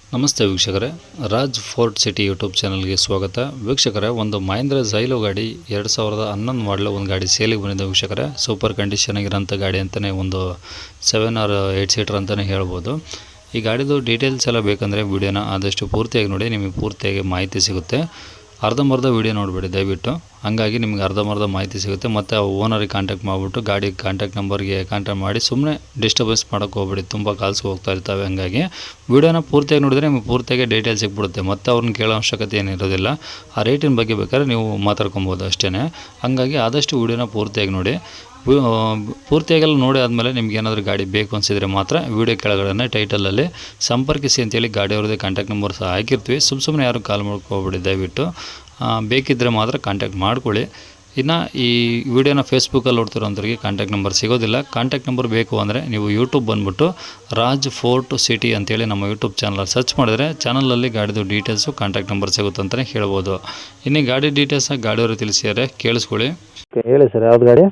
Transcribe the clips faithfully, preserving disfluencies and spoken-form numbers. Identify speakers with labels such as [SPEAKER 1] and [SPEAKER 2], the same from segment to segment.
[SPEAKER 1] ನಮಸ್ತೆ ವೀಕ್ಷಕರೇ, Raj fort city YouTube ಚಾನಲ್ಗೆ ಸ್ವಾಗತ. ವೀಕ್ಷಕರೇ, ಒಂದು ಮಹೇಂದ್ರ ಝೈಲೋ ಗಾಡಿ ಎರಡು ಸಾವಿರದ ಹನ್ನೊಂದು ಮಾಡಲು ಒಂದು ಗಾಡಿ ಸೇಲಿಗೆ ಬಂದಿದೆ ವೀಕ್ಷಕರೇ. ಸೂಪರ್ ಕಂಡೀಷನ್ ಆಗಿರೋಂಥ ಗಾಡಿ ಅಂತಲೇ, ಒಂದು ಸೆವೆನ್ ಆರ್ ಏಯ್ಟ್ ಸೀಟರ್ ಅಂತಲೇ ಹೇಳ್ಬೋದು. ಈ ಗಾಡಿದು ಡೀಟೇಲ್ಸ್ ಎಲ್ಲ ಬೇಕಂದರೆ ವಿಡಿಯೋನ ಆದಷ್ಟು ಪೂರ್ತಿಯಾಗಿ ನೋಡಿ, ನಿಮಗೆ ಪೂರ್ತಿಯಾಗಿ ಮಾಹಿತಿ ಸಿಗುತ್ತೆ. ಅರ್ಧಂಬರ್ಧ ವೀಡಿಯೋ ನೋಡಿಬಿಡಿ ದಯವಿಟ್ಟು, ಹಾಗಾಗಿ ನಿಮ್ಗೆ ಅರ್ಧಂಬರ್ಧ ಮಾಹಿತಿ ಸಿಗುತ್ತೆ. ಮತ್ತು ಆ ಓನರಿಗೆ ಕಾಂಟ್ಯಾಕ್ಟ್ ಮಾಡಿಬಿಟ್ಟು ಗಾಡಿ ಕಾಂಟ್ಯಾಕ್ಟ್ ನಂಬರ್ಗೆ ಕಾಂಟ್ಯಾಕ್ಟ್ ಮಾಡಿ ಸುಮ್ಮನೆ ಡಿಸ್ಟರ್ಬೆನ್ಸ್ ಮಾಡೋಕ್ಕೆ ಹೋಗ್ಬಿಡಿ, ತುಂಬ ಕಾಲ್ಸ್ ಹೋಗ್ತಾ ಇರ್ತವೆ. ಹಾಗಾಗಿ ವೀಡಿಯೋನ ಪೂರ್ತಿಯಾಗಿ ನೋಡಿದ್ರೆ ನಿಮಗೆ ಪೂರ್ತಿಯಾಗಿ ಡೀಟೇಲ್ಸ್ ಸಿಕ್ಬಿಡುತ್ತೆ. ಮತ್ತು ಅವ್ರನ್ನ ಕೇಳೋ ಅವಶ್ಯಕತೆ ಏನಿರೋದಿಲ್ಲ. ಆ ರೇಟಿನ ಬಗ್ಗೆ ಬೇಕಾದ್ರೆ ನೀವು ಮಾತಾಡ್ಕೊಬೋದು ಅಷ್ಟೇ. ಹಾಗಾಗಿ ಆದಷ್ಟು ವೀಡಿಯೋನ ಪೂರ್ತಿಯಾಗಿ ನೋಡಿ. ಪೂರ್ತಿಯಾಗೆಲ್ಲ ನೋಡಿ ಆದಮೇಲೆ ನಿಮ್ಗೆ ಏನಾದರೂ ಗಾಡಿ ಬೇಕು ಅನಿಸಿದರೆ ಮಾತ್ರ ವೀಡಿಯೋ ಕೆಳಗಡೆ ಟೈಟಲಲ್ಲಿ ಸಂಪರ್ಕಿಸಿ ಅಂತೇಳಿ ಗಾಡಿಯವ್ರದ್ದೇ ಕಾಂಟ್ಯಾಕ್ಟ್ ನಂಬರ್ ಸಹ ಹಾಕಿರ್ತೀವಿ. ಸುಮ್ಮ ಸುಮ್ಮನೆ ಯಾರು ಕಾಲ್ ಮಾಡ್ಕೊಬಿಡಿ ದಯವಿಟ್ಟು. ಬೇಕಿದ್ದರೆ ಮಾತ್ರ ಕಾಂಟ್ಯಾಕ್ಟ್ ಮಾಡ್ಕೊಳ್ಳಿ. ಇನ್ನು ಈ ವಿಡಿಯೋನ ಫೇಸ್ಬುಕ್ಕಲ್ಲಿ ನೋಡ್ತಿರೋಂಥವ್ರಿಗೆ ಕಾಂಟ್ಯಾಕ್ಟ್ ನಂಬರ್ ಸಿಗೋದಿಲ್ಲ. ಕಾಂಟ್ಯಾಕ್ಟ್ ನಂಬರ್ ಬೇಕು ಅಂದರೆ ನೀವು ಯೂಟ್ಯೂಬ್ ಬಂದುಬಿಟ್ಟು ರಾಜ್ ಫೋರ್ಟ್ ಸಿಟಿ ಅಂತೇಳಿ ನಮ್ಮ ಯೂಟ್ಯೂಬ್ ಚಾನಲ್ ಸರ್ಚ್ ಮಾಡಿದ್ರೆ ಚಾನಲಲ್ಲಿ ಗಾಡಿದು ಡೀಟೇಲ್ಸು ಕಾಂಟ್ಯಾಕ್ಟ್ ನಂಬರ್ ಸಿಗುತ್ತೆ ಅಂತಲೇ ಹೇಳ್ಬೋದು. ಇನ್ನು ಗಾಡಿ ಡೀಟೇಲ್ಸ್ನ ಗಾಡಿಯವರು ತಿಳಿಸಿದ್ದಾರೆ, ಕೇಳಿಸ್ಕೊಳ್ಳಿ.
[SPEAKER 2] ಹೇಳಿ ಸರ್, ಯಾವ್ದು ಗಾಡಿ?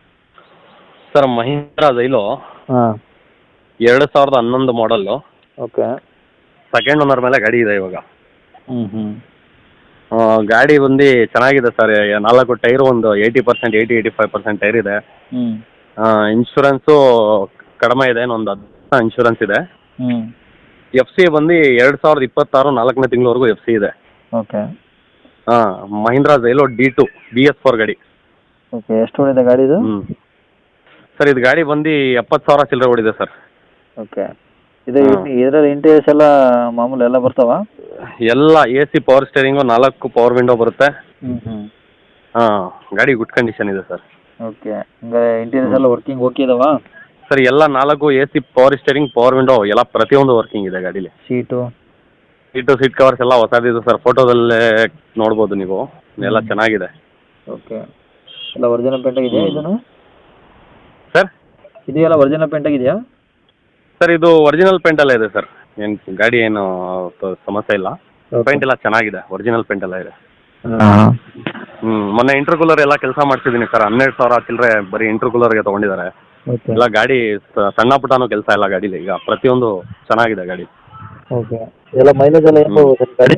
[SPEAKER 3] ಸರ್, ಮಹೀಂದ್ರ ಝೈಲೋ
[SPEAKER 2] ಹಾಂ,
[SPEAKER 3] ಎರಡು ಸಾವಿರದ ಹನ್ನೊಂದು ಮಾಡಲ್ಲು.
[SPEAKER 2] ಓಕೆ.
[SPEAKER 3] ಸೆಕೆಂಡ್ ಓನರ್ ಮೇಲೆ ಗಾಡಿ ಇದೆ ಇವಾಗ.
[SPEAKER 2] ಹ್ಞೂ ಹ್ಞೂ
[SPEAKER 3] ಆ, ಗಾಡಿ ಬಂದು ಚೆನ್ನಾಗಿದೆ ಸರ್. ನಾಲ್ಕು ಟೈರು ಒಂದು eighty percent eighty eighty five percent tyre ಇದೆ.
[SPEAKER 2] ಹ್ಞೂ
[SPEAKER 3] ಇನ್ಶೂರೆನ್ಸು ಕಡಿಮೆ ಇದೆ, ಒಂದು ಹತ್ತು ಇನ್ಶೂರೆನ್ಸ್ ಇದೆ.
[SPEAKER 2] ಹ್ಞೂ
[SPEAKER 3] ಎಫ್ ಸಿ ಬಂದು ಎರಡು ಸಾವಿರದ ಇಪ್ಪತ್ತಾರು ನಾಲ್ಕನೇ ತಿಂಗಳವರೆಗೂ ಎಫ್ ಸಿ ಇದೆ.
[SPEAKER 2] ಓಕೆ.
[SPEAKER 3] ಹಾಂ, Mahindra Xylo D two B S four ಗಾಡಿ.
[SPEAKER 2] ಓಕೆ, ಎಷ್ಟು ಓಡಿದೆ ಗಾಡಿದು?
[SPEAKER 3] ಹ್ಞೂ ಸರ್, ಇದು ಗಾಡಿ ಬಂದು ಎಪ್ಪತ್ತು ಸಾವಿರ ಚಿಲ್ಲರೆ ಓಡಿದೆ ಸರ್.
[SPEAKER 2] ಓಕೆ. ಇದು ಇದರಲ್ಲಿ ಇಂಟೀರಿಯರ್ಸ್ ಎಲ್ಲ ಮಾಮೂಲಿ ಎಲ್ಲ ಬರ್ತಾವ?
[SPEAKER 3] ಎಲ್ಲ ಎ ಸಿ, ಪವರ್ ಸ್ಟೇರಿಂಗು, ನಾಲ್ಕು ಪವರ್ ವಿಂಡೋ ಬರುತ್ತೆ.
[SPEAKER 2] ಹ್ಞೂ ಹ್ಞೂ
[SPEAKER 3] ಹಾಂ, ಗಾಡಿ ಗುಡ್ ಕಂಡೀಷನ್ ಇದೆ ಸರ್.
[SPEAKER 2] ಓಕೆ. ಹಂಗಾರೆ ಇಂಟೀರಿಯರ್ಸ್ ಎಲ್ಲ ವರ್ಕಿಂಗ್ ಓಕೆ ಇದಾವ?
[SPEAKER 3] ಸರ್, ಎಲ್ಲ ನಾಲ್ಕು A C, power steering, power window ಎಲ್ಲ ಪ್ರತಿಯೊಂದು ವರ್ಕಿಂಗ್ ಇದೆ ಗಾಡೀಲಿ.
[SPEAKER 2] ಸೀಟು?
[SPEAKER 3] ಸೀಟು ಸೀಟ್ ಕವರ್ಸ್ ಎಲ್ಲ ಹೊಸದಿದೆ ಸರ್. ಫೋಟೋದಲ್ಲೇ ನೋಡ್ಬೋದು ನೀವು, ಎಲ್ಲ ಚೆನ್ನಾಗಿದೆ.
[SPEAKER 2] ಓಕೆ. ಎಲ್ಲ ಒರಿಜಿನಲ್ ಪೇಂಟ್ ಆಗಿದೆಯಾ ಇದನ್ನು?
[SPEAKER 3] ಸರ್,
[SPEAKER 2] ಇದೆಯಲ್ಲ ಒರಿಜಿನಲ್ ಪೇಂಟ್ ಆಗಿದೆಯಾ?
[SPEAKER 3] ಸರ್, ಇದು ಒರಿಜಿನಲ್ ಪೇಂಟೆಲ್ಲ ಇದೆ ಸರ್. ಏನು ಗಾಡಿ ಏನು ತ- ಸಮಸ್ಯೆ ಇಲ್ಲ. ಪೇಂಟ್ ಎಲ್ಲ ಚೆನ್ನಾಗಿದೆ, ಒರಿಜಿನಲ್ ಪೇಂಟ್ ಎಲ್ಲ ಇದೆ.
[SPEAKER 2] ಹಾಂ.
[SPEAKER 3] ಹ್ಞೂ ಮೊನ್ನೆ ಇಂಟರ್ಕೂಲರ್ ಎಲ್ಲ ಕೆಲಸ ಮಾಡ್ತಿದ್ದೀನಿ ಸರ್. ಹನ್ನೆರಡು ಸಾವಿರ ಚಿಲ್ಲರೆ ಬರೀ ಇಂಟರ್ಕೂಲರ್ಗೆ ತೊಗೊಂಡಿದ್ದಾರೆ.
[SPEAKER 2] ಓಕೆ.
[SPEAKER 3] ಎಲ್ಲ ಗಾಡಿ ಸ- ಸಣ್ಣ ಪುಟ್ಟನೂ ಕೆಲಸ ಇಲ್ಲ ಗಾಡೀಲಿ. ಈಗ ಪ್ರತಿಯೊಂದು ಚೆನ್ನಾಗಿದೆ ಗಾಡಿ.
[SPEAKER 2] ಓಕೆ. ಎಲ್ಲ ಮೈಲೇಜ್ ಎಲ್ಲ ಏನು ಹೋಗುತ್ತೆ ಗಾಡಿ?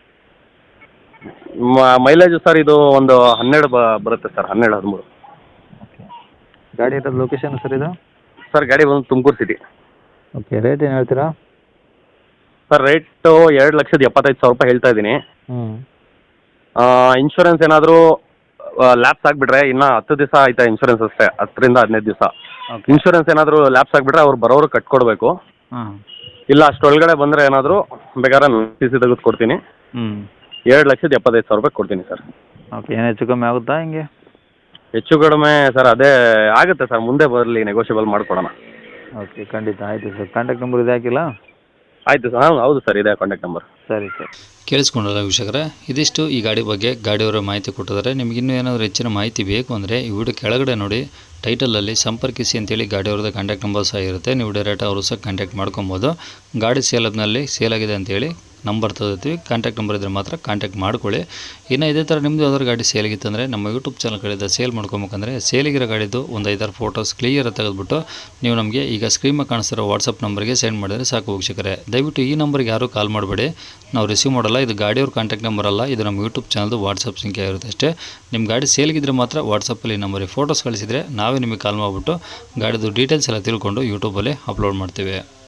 [SPEAKER 3] ಮೈಲೇಜ್ ಸರ್, ಇದು ಒಂದು ಹನ್ನೆರಡು ಬ ಬರುತ್ತೆ ಸರ್, ಹನ್ನೆರಡು ಹದಿಮೂರು.
[SPEAKER 2] ಓಕೆ. ಗಾಡಿ ಇರೋದು ಲೊಕೇಶನ್ ಸರ್ ಇದು?
[SPEAKER 3] ಸರ್, ಗಾಡಿ ಬಂದು ತುಮಕೂರು ಸಿಟಿ.
[SPEAKER 2] ಓಕೆ. ರೇಟ್ ಏನು ಹೇಳ್ತೀರಾ?
[SPEAKER 3] ಸರ್, ರೇಟು ಎರಡು ಲಕ್ಷದ ಎಪ್ಪತ್ತೈದು ಸಾವಿರ ರೂಪಾಯಿ ಹೇಳ್ತಾ ಇದ್ದೀನಿ.
[SPEAKER 2] ಹ್ಞೂ
[SPEAKER 3] ಇನ್ಶೂರೆನ್ಸ್ ಏನಾದರೂ ಲ್ಯಾಪ್ಸ್ ಆಗಿಬಿಟ್ರೆ ಇನ್ನು ಹತ್ತು ದಿವಸ ಆಯ್ತಾ ಇನ್ಶೂರೆನ್ಸ್ ಅಷ್ಟೇ, ಹತ್ತರಿಂದ ಹದಿನೈದು ದಿವಸ.
[SPEAKER 2] ಓಕೆ.
[SPEAKER 3] ಇನ್ಶೂರೆನ್ಸ್ ಏನಾದರೂ ಲ್ಯಾಪ್ಸ್ ಆಗಿಬಿಟ್ರೆ ಅವ್ರು ಬರೋರು ಕಟ್ಕೊಡ್ಬೇಕು.
[SPEAKER 2] ಹಾಂ.
[SPEAKER 3] ಇಲ್ಲ ಅಷ್ಟೊಳಗಡೆ ಬಂದರೆ ಏನಾದರೂ ಬೇಕಾದ್ರೆ ಸಿ ಸಿ ತೆಗೆದು ಕೊಡ್ತೀನಿ.
[SPEAKER 2] ಹ್ಞೂ
[SPEAKER 3] ಎರಡು ಲಕ್ಷದ ಎಪ್ಪತ್ತೈದು ಸಾವಿರ ರೂಪಾಯಿ ಕೊಡ್ತೀನಿ ಸರ್.
[SPEAKER 2] ಓಕೆ. ಏನು ಹೆಚ್ಚು ಕಮ್ಮಿ ಆಗುತ್ತಾ ಹಿಂಗೆ?
[SPEAKER 3] ಹೆಚ್ಚು ಕಡಿಮೆ ಸರ್ ಅದೇ ಆಗುತ್ತೆ ಸರ್, ಮುಂದೆ ಬರಲಿ, ನೆಗೋಷಿಯಬಲ್ ಮಾಡಿಕೊಡೋಣ.
[SPEAKER 2] ಓಕೆ, ಖಂಡಿತ. ಆಯಿತು ಸರ್. ಕಾಂಟ್ಯಾಕ್ಟ್ ನಂಬರ್ ಇದೆ ಹಾಕಿಲ್ಲ?
[SPEAKER 3] ಆಯಿತು ಸರ್. ಹಾಂ, ಹೌದು ಸರ್, ಇದೆ ಕಾಂಟ್ಯಾಕ್ಟ್ ನಂಬರ್.
[SPEAKER 2] ಸರಿ ಸರ್.
[SPEAKER 1] ಕೇಳಿಸ್ಕೊಂಡಲ್ಲ ವೀಕ್ಷಕರೇ, ಇದಿಷ್ಟು ಈ ಗಾಡಿ ಬಗ್ಗೆ ಗಾಡಿಯವರ ಮಾಹಿತಿ ಕೊಟ್ಟಿದ್ದಾರೆ. ನಿಮ್ಗೆ ಇನ್ನೂ ಏನಾದರೂ ಹೆಚ್ಚಿನ ಮಾಹಿತಿ ಬೇಕು ಅಂದರೆ ಈ ವಿಡಿಯೋ ಕೆಳಗಡೆ ನೋಡಿ ಟೈಟಲಲ್ಲಿ ಸಂಪರ್ಕಿಸಿ ಅಂತೇಳಿ ಗಾಡಿಯವ್ರದ್ದು ಕಾಂಟ್ಯಾಕ್ಟ್ ನಂಬರ್ ಸಹ ಇರುತ್ತೆ. ನೀವು ಡೈರೆಕ್ಟ್ ಅವರು ಸಹ ಕಾಂಟ್ಯಾಕ್ಟ್ ಮಾಡ್ಕೊಬೋದು. ಗಾಡಿ ಸೇಲದ್ನಲ್ಲಿ ಸೇಲ್ ಆಗಿದೆ ಅಂತೇಳಿ ನಂಬರ್ ತೆಗೆದಿರ್ತೀವಿ, ಕಾಂಟ್ಯಾಕ್ಟ್ ನಂಬರ್ ಇದ್ದರೆ ಮಾತ್ರ ಕಾಂಟ್ಯಾಕ್ಟ್ ಮಾಡ್ಕೊಳ್ಳಿ. ಇನ್ನು ಇದೇ ಥರ ನಿಮ್ಮದು ಯಾವ್ದಾದ್ರು ಗಾಡಿ ಸೇಲಿಗಿತ್ತಂದರೆ ನಮ್ಮ ಯೂಟ್ಯೂಬ್ ಚಾನಲ್ ಕಡೆಯಿಂದ ಸೇಲ್ ಮಾಡ್ಕೊಬೇಕಂದ್ರೆ ಸೇಲಿಗಿರೋ ಗಾಡಿದು ಒಂದು ಐದಾರು ಫೋಟೋಸ್ ಕ್ಲಿಯರ್ ತೆಗೆದುಬಿಟ್ಟು ನೀವು ನಮಗೆ ಈಗ ಸ್ಕ್ರೀನ್ ಮೇಲೆ ಕಾಣಿಸ್ತಿರೋ ವಾಟ್ಸಪ್ ನಂಬರ್ಗೆ ಸೆಂಡ್ ಮಾಡಿದರೆ ಸಾಕು ವೀಕ್ಷಕರೇ. ದಯವಿಟ್ಟು ಈ ನಂಬರ್ಗೆ ಯಾರೂ ಕಾಲ್ ಮಾಡಬೇಡಿ, ನಾವು ರಿಸೀವ್ ಮಾಡಲ್ಲ. ಇದು ಗಾಡಿಯವ್ರ ಕಾಂಟ್ಯಾಕ್ಟ್ ನಂಬರ್ ಅಲ್ಲ, ಇದು ನಮ್ಮ ಯೂಟ್ಯೂಬ್ ಚಾನಲ್ದು ವಾಟ್ಸಪ್ ಸಂಖ್ಯೆ ಇರುತ್ತೆ ಅಷ್ಟೇ. ನಿಮ್ಮ ಗಾಡಿ ಸೇಲ್ಗಿದ್ರೆ ಮಾತ್ರ ವಾಟ್ಸಪ್ಪಲ್ಲಿ ನಂಬರಿಗೆ ಫೋಟೋಸ್ ಕಳಿಸಿದರೆ ನಾವೇ ನಿಮಗೆ ಕಾಲ್ ಮಾಡಿಬಿಟ್ಟು ಗಾಡಿದು ಡೀಟೇಲ್ಸ್ ಎಲ್ಲ ತಿಳ್ಕೊಂಡು ಯೂಟ್ಯೂಬಲ್ಲಿ ಅಪ್ಲೋಡ್ ಮಾಡ್ತೀವಿ.